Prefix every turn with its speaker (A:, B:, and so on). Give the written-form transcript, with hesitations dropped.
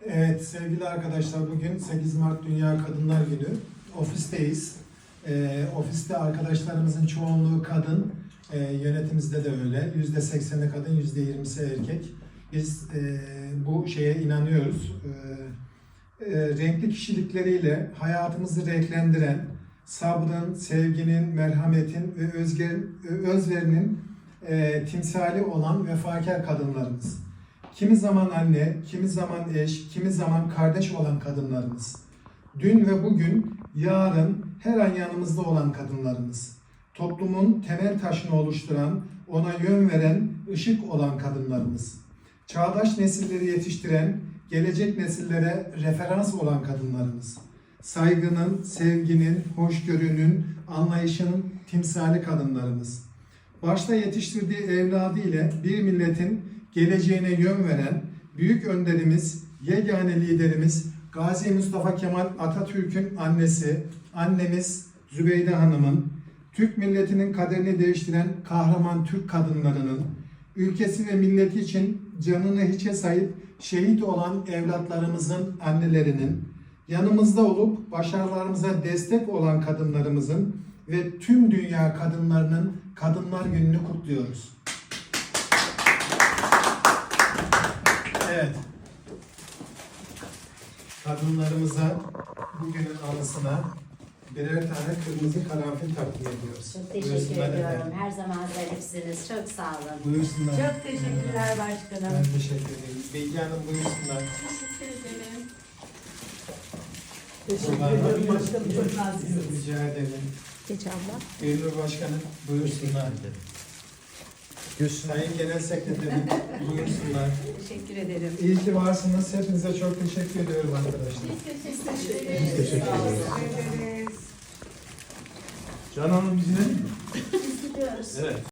A: Evet sevgili arkadaşlar, bugün 8 Mart Dünya Kadınlar Günü. Ofisteyiz. Ofiste arkadaşlarımızın çoğunluğu kadın. Yönetimimizde de öyle. %80'i kadın, %20'si erkek. Biz bu şeye inanıyoruz. Renkli kişilikleriyle hayatımızı renklendiren, sabrın, sevginin, merhametin ve özverinin timsali olan vefakar kadınlarımız. Kimi zaman anne, kimi zaman eş, kimi zaman kardeş olan kadınlarımız. Dün ve bugün, yarın her an yanımızda olan kadınlarımız. Toplumun temel taşını oluşturan, ona yön veren, ışık olan kadınlarımız. Çağdaş nesilleri yetiştiren, gelecek nesillere referans olan kadınlarımız. Saygının, sevginin, hoşgörünün, anlayışının timsali kadınlarımız. Başta yetiştirdiği evladı ile bir milletin geleceğine yön veren büyük önderimiz, yegane liderimiz Gazi Mustafa Kemal Atatürk'ün annesi, annemiz Zübeyde Hanım'ın, Türk milletinin kaderini değiştiren kahraman Türk kadınlarının, ülkesi ve milleti için canını hiçe sayıp şehit olan evlatlarımızın annelerinin, yanımızda olup başarılarımıza destek olan kadınlarımızın ve tüm dünya kadınlarının Kadınlar Günü'nü kutluyoruz. Evet. Kadınlarımıza bugünün anısına birer tane kırmızı karanfil takdim ediyoruz.
B: Çok teşekkür ediyorum. Her zaman zarifsiniz. Çok sağ olun.
A: Buyursunlar.
B: Çok teşekkürler başkanım.
A: Ben teşekkür ederim. Bilge Hanım buyursunlar.
B: Teşekkür ederim.
A: Teşekkür ederim başkanım. Çok naziksin. Rica ederim.
B: Geç abla.
A: Gönül Başkanım buyursunlar. Sayın Genel Sekreterim buyursunlar.
B: Teşekkür ederim.
A: İyi ki varsınız. Hepinize çok teşekkür ediyorum arkadaşlar.
B: Biz teşekkür ederiz.
A: Biz teşekkür ederiz. Can Hanım bizimle mi?
B: Biz gidiyoruz.
C: Evet.